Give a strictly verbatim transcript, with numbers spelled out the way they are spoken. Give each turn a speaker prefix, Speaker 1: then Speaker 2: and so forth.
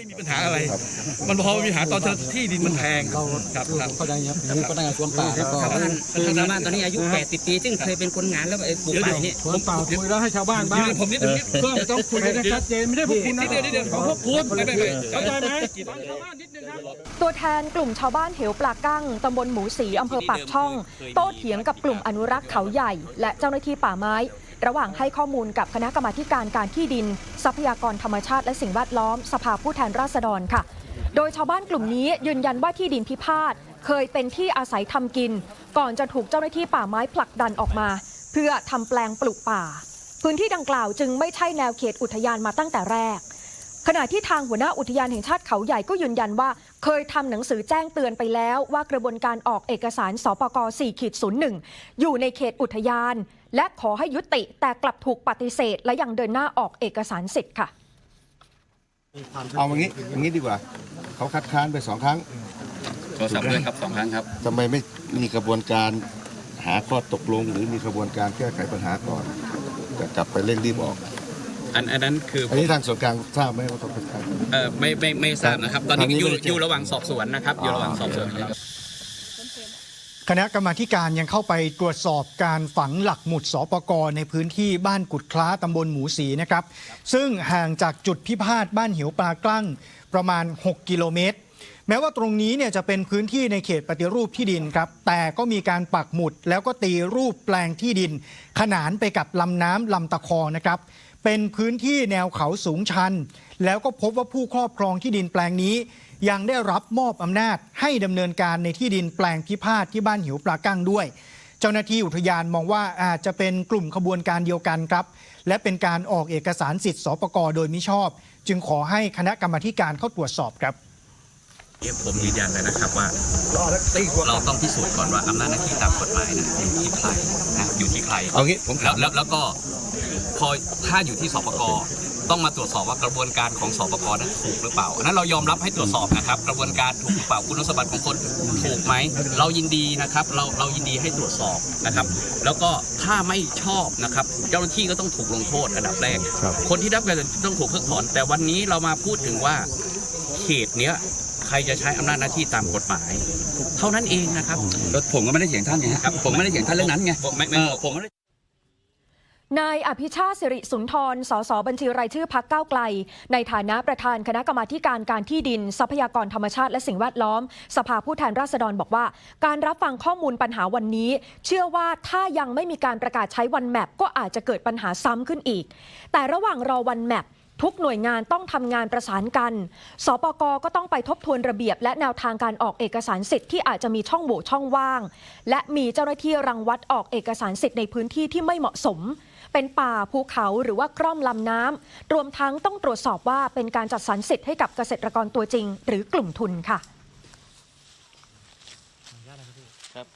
Speaker 1: มีปัญหาอะไรมันพอมีปัญหาตอนที่ดินมันแพงครับครับ
Speaker 2: เข้าใจครับก็ตั้งแต่สวนป่าแล้วก็
Speaker 3: คือชาวบ้านตอนนี้อายุแปดสิบปีซึ่งเคยเป็นคนงานแล้วไอ้ปลูกป่าเนี่ย
Speaker 2: สวนป่าคุยแล้วให้ชาวบ้านบ้าง
Speaker 1: ผมนิดนึง
Speaker 2: เพื่อต้องคุยกันชัดเจนไม่ได้พวกคุณนะ
Speaker 1: เดี๋ยวเดี๋ยวของพวกคุณไม่ไม่ไม่
Speaker 2: เข้าใจไหมชาวบ้านนิดนึงครับ
Speaker 4: ตัวแทนกลุ่มชาวบ้านเหวปลากั้งตำบลหมูสีอำเภอปากช่องโต้เถียงกับกลุ่มอนุรักษ์เขาใหญ่และเจ้าหน้าที่ป่าไม้ระหว่างให้ข้อมูลกับคณะกรรมาการการที่ดินทรัพยากรธรรมชาติและสิ่งแวดล้อมสภาผู้แทนราษฎรค่ะโดยชาวบ้านกลุ่มนี้ยืนยันว่าที่ดินพิพาทเคยเป็นที่อาศัยทำกินก่อนจะถูกเจ้าหน้าที่ป่าไม้ผลักดันออกมาเพื่อทำแปลงปลูกป่าพื้นที่ดังกล่าวจึงไม่ใช่แนวเขตอุทยานมาตั้งแต่แรกขณะที่ทางหัวหน้าอุทยานแห่งชาติเขาใหญ่ก็ยืนยันว่าเคยทำหนังสือแจ้งเตือนไปแล้วว่ากระบวนการออกเอกสารสปก สี่ ศูนย์ หนึ่ง อยู่ในเขตอุทยานและขอให้ยุติแต่กลับถูกปฏิเสธและยังเดินหน้าออกเอกสารสิทธิ์ค่ะ
Speaker 5: เอาอย่างนี้อย่างนี้ดีกว่าเขาคัดค้านไปสองครั้ง
Speaker 6: โทรศัพท์ด้วยครับสองครั้งครับ
Speaker 5: ทำไมไม่มีกระบวนการหาข้อตกลงหรือมีกระบวนการแก้ไขปัญหาก่อนจะกลับไปเร่งรีบออก
Speaker 6: อันอันนั้นคือ
Speaker 5: อันนี้ทางส่วนกลางทราบไหมว่าต้องเป็นการ
Speaker 6: เออไม่ไม่ไม่ทราบนะครับตอนนี้อยู่อยู่ระหว่างสอบสวนนะครับอยู่ระหว่างสอบสวนครับ
Speaker 7: คณะกรรมาการยังเข้าไปตรวจสอบการฝังหลักหมุดสปก.ในพื้นที่บ้านกุดคล้าตำบลหมูสีนะครับซึ่งห่างจากจุดพิพาทบ้านเหวปลากลั่งประมาณหกกิโลเมตรแม้ว่าตรงนี้เนี่ยจะเป็นพื้นที่ในเขตปฏิรูปที่ดินครับแต่ก็มีการปักหมุดแล้วก็ตีรูปแปลงที่ดินขนานไปกับลำน้ำลำตะคองนะครับเป็นพื้นที่แนวเขาสูงชันแล้วก็พบว่าผู้ครอบครองที่ดินแปลงนี้ยังได้รับมอบอำนาจให้ดำเนินการในที่ดินแปลงพิพาทที่บ้านหิวปลากั้งด้วยเจ้าหน้าที่อุทยานมองว่าอาจจะเป็นกลุ่มขบวนการเดียวกันครับและเป็นการออกเอกสารสิทธิ์สปก.โดยมิชอบจึงขอให้คณะกรรมาการเข้าตรวจสอบครับ
Speaker 6: ผมยืนยันเลยนะครับว่าเราต้องพิสูจน์ก่อนว่าอำนาจหน้าที่ตามกฎหมายนะอยู่ที่ใครนะอยู่ที่ใคร
Speaker 5: เอางี้ผม
Speaker 6: แล้วแล้วแล้วก็พอถ้าอยู่ที่สปก.ต้องมาตรวจสอบว่ากระบวนการของสปก.นั้นถูกหรือเปล่าอันนั้นเรายอมรับให้ตรวจสอบนะครับกระบวนการถูกหรือเปล่าคุณสมบัติของคนถูกไหมเรายินดีนะครับเราเรายินดีให้ตรวจสอบนะครับแล้วก็ถ้าไม่ชอบนะครับเจ้าหน้าที่ก็ต้องถูกลงโทษอันดับแรกคนที่รับการต้องถูกเพิกถอนแต่วันนี้เรามาพูดถึงว่าเขตเนี้ยใครจะใช้อำนาจหน้าที่ตามกฎหมายเท่านั้นเองนะครับ
Speaker 3: ผมก็ไม่ได้เถียงท่านไงครับผมไม่ได้เถียงท่านเรื่องนั้นไงผมไม่ได้
Speaker 4: นายอภิชาติสิริสุนทรสสบัญชีรายชื่อพรรคก้าวไกลในฐานะประธานคณะกรรมาการการที่ดินทรัพยากรธรรมชาติและสิ่งแวดล้อมสภาผู้แทนราษฎรบอกว่าการรับฟังข้อมูลปัญหาวันนี้เชื่อว่าถ้ายังไม่มีการประกาศใช้วันแมปก็อาจจะเกิดปัญหาซ้ำขึ้นอีกแต่ระหว่างรอวันแมปทุกหน่วยงานต้องทำงานประสานกันสปก.ก็ต้องไปทบทวนระเบียบและแนวทางการออกเอกสารสิทธิ์ที่อาจจะมีช่องโหว่ช่องว่างและมีเจ้าหน้าที่รังวัดออกเอกสารสิทธิ์ในพื้นที่ที่ไม่เหมาะสมเป็นป่าภูเขาหรือว่ากร่อมลำน้ำรวมทั้งต้องตรวจสอบว่าเป็นการจัดสรรสิทธิ์ให้กับเกษตรกรตัวจริงหรือกลุ่มทุนค่ะ